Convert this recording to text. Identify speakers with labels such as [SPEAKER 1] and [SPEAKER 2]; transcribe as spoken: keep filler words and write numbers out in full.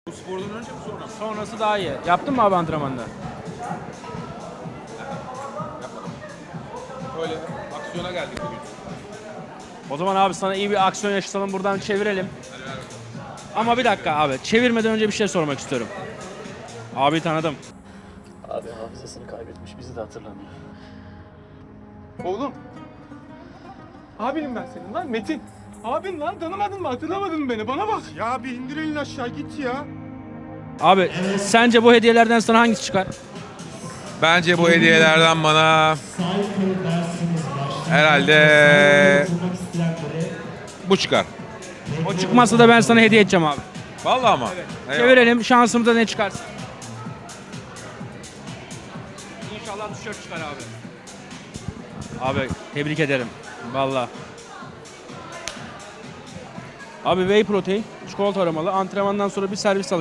[SPEAKER 1] Bu spordan önce mi sonra mı?
[SPEAKER 2] Sonrası daha iyi. Yaptın mı abi antrenmanda?
[SPEAKER 1] Yapmadım. Böyle aksiyona geldik bugün.
[SPEAKER 2] O zaman abi sana iyi bir aksiyon yaşatalım, buradan çevirelim.
[SPEAKER 1] Hadi ver bakalım.
[SPEAKER 2] Ama bir dakika abi, çevirmeden önce bir şey sormak istiyorum. Abi tanıdım.
[SPEAKER 3] Abi hafızasını kaybetmiş, bizi de hatırlamıyor.
[SPEAKER 4] Oğlum. Abinim ben senin lan Metin. Abin lan, tanımadın mı, hatırlamadın mı beni? Bana bak.
[SPEAKER 5] Ya bir indir elini aşağı git ya.
[SPEAKER 2] Abi sence bu hediyelerden sana hangisi çıkar?
[SPEAKER 1] Bence bu hediyelerden bana herhalde bu çıkar.
[SPEAKER 2] O çıkmazsa da ben sana hediye edeceğim abi.
[SPEAKER 1] Vallahi ama. Evet.
[SPEAKER 2] Çevirelim, şansımıza ne çıkarsa. İnşallah tişört çıkar abi. Abi tebrik ederim. Vallahi. Abi whey protein, çikolata aromalı. Antrenmandan sonra bir servis al.